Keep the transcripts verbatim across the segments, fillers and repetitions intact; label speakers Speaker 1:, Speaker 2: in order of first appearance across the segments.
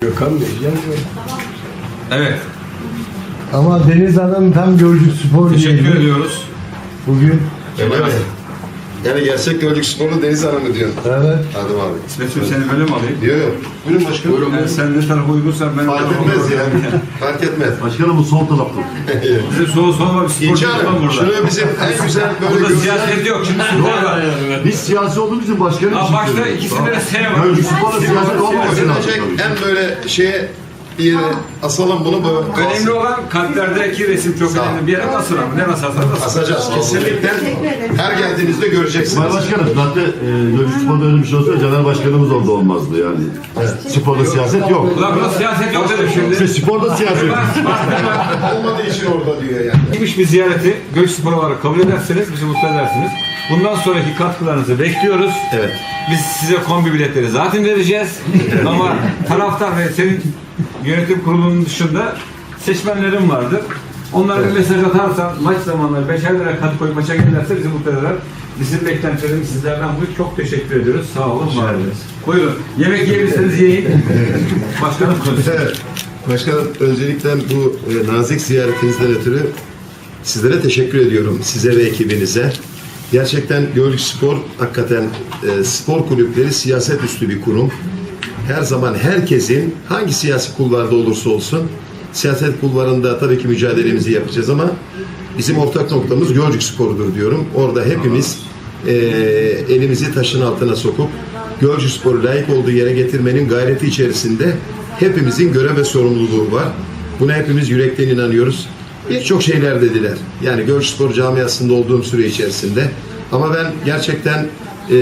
Speaker 1: Gökhan Bey gelmiyor.
Speaker 2: Evet.
Speaker 1: Ama Deniz Hanım tam Gölcük Spor
Speaker 2: Teşekkür
Speaker 1: diyeyim.
Speaker 2: ediyoruz.
Speaker 1: Bugün.
Speaker 3: Öyle mi? Yani gerçek Gölcük Sporlu Deniz Hanım'ı diyorsun.
Speaker 1: Evet.
Speaker 3: Adım abi.
Speaker 2: İsmet'ciğim seni böyle mi alayım?
Speaker 3: Diyor yok. Buyurun başkanım. Buyurun.
Speaker 2: Yani sen ne tarafa uygunsan ben
Speaker 3: Fark etmez ya. Fark etmez.
Speaker 4: Başkanım bu sol tarafta.
Speaker 2: Bizim soğuk soğuk bir spor
Speaker 3: İnci
Speaker 2: yapalım
Speaker 3: Hanım,
Speaker 2: burada.
Speaker 3: şunu bizim en güzel böyle
Speaker 2: Burada
Speaker 3: görünen...
Speaker 2: siyaset yok. Şimdi spor var.
Speaker 4: Biz siyasi olduğumuz için başkanım
Speaker 2: Ha,
Speaker 4: için
Speaker 2: başta
Speaker 4: söylüyoruz.
Speaker 2: ikisinde de S var.
Speaker 4: Gölcük Spor'da siyaset olmaması lazım.
Speaker 3: Gelecek en böyle şeye bir yere asalım bunu böyle.
Speaker 2: Önemli olan kalplerdeki resim çok
Speaker 3: Sağ ol.
Speaker 2: önemli. Bir yere nasıl ama ne nasıl asarsan asıl.
Speaker 3: Asacağız. Kesinlikle her geldiğinizde göreceksiniz.
Speaker 4: Sayın Başkanım zaten e, Gölcük Spor'da öyle bir şey olsa Caner Başkanımız orada olmazdı yani. Sporda siyaset yok.
Speaker 2: Ulan burada siyaset yok dedim şimdi.
Speaker 4: İşte sporda siyaset yok.
Speaker 3: Olmadığı için orada diyor yani.
Speaker 2: Gitmiş bir ziyareti Gölcük Spor olarak kabul ederseniz bizi mutlu edersiniz. Bundan sonraki katkılarınızı bekliyoruz.
Speaker 3: Evet.
Speaker 2: Biz size kombi biletleri zaten vereceğiz. Ama taraftar ve senin yönetim kurulunun dışında seçmenlerin vardır. Onlara bir mesaj atarsan maç zamanları beşer lira kat koyup maça gelirlerse bizi mutlu eder. Bizim beklentilerimiz sizlerden bu. Çok teşekkür ediyoruz. Sağ olun, var olun. Buyurun. Yemek yiyebilirseniz yiyin. Başkanım konuşsun.
Speaker 3: Evet. Başkanım öncelikle bu e, nazik ziyaretinizden ötürü sizlere teşekkür ediyorum. Size ve ekibinize. Gerçekten Gölcük Spor hakikaten e, spor kulüpleri siyaset üstü bir kurum. Her zaman herkesin hangi siyasi kulvarda olursa olsun siyaset kulvarında tabii ki mücadelemizi yapacağız ama bizim ortak noktamız Gölcük Spor'dur diyorum. Orada hepimiz e, elimizi taşın altına sokup Gölcük Spor'u layık olduğu yere getirmenin gayreti içerisinde hepimizin görev ve sorumluluğu var. Buna hepimiz yürekten inanıyoruz. Birçok şeyler dediler. Yani Gölcük Spor camiasında olduğum süre içerisinde. Ama ben gerçekten e,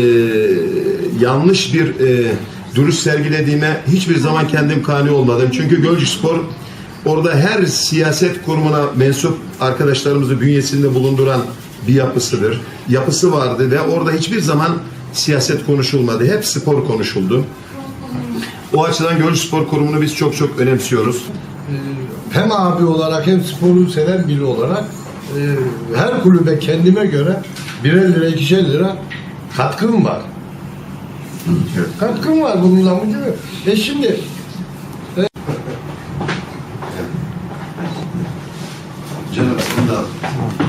Speaker 3: yanlış bir e, duruş sergilediğime hiçbir zaman kendim kani olmadım. Çünkü Gölcük Spor orada her siyaset kurumuna mensup arkadaşlarımızı bünyesinde bulunduran bir yapısıdır. Yapısı vardı ve orada hiçbir zaman siyaset konuşulmadı. Hep spor konuşuldu. O açıdan Gölcük Spor Kurumu'nu biz çok çok önemsiyoruz.
Speaker 1: Hem abi olarak hem sporu seven biri olarak e, her kulübe kendime göre birer lira, ikişer lira katkım var. Katkım var bununla mı değil mi? E şimdi
Speaker 3: Canım,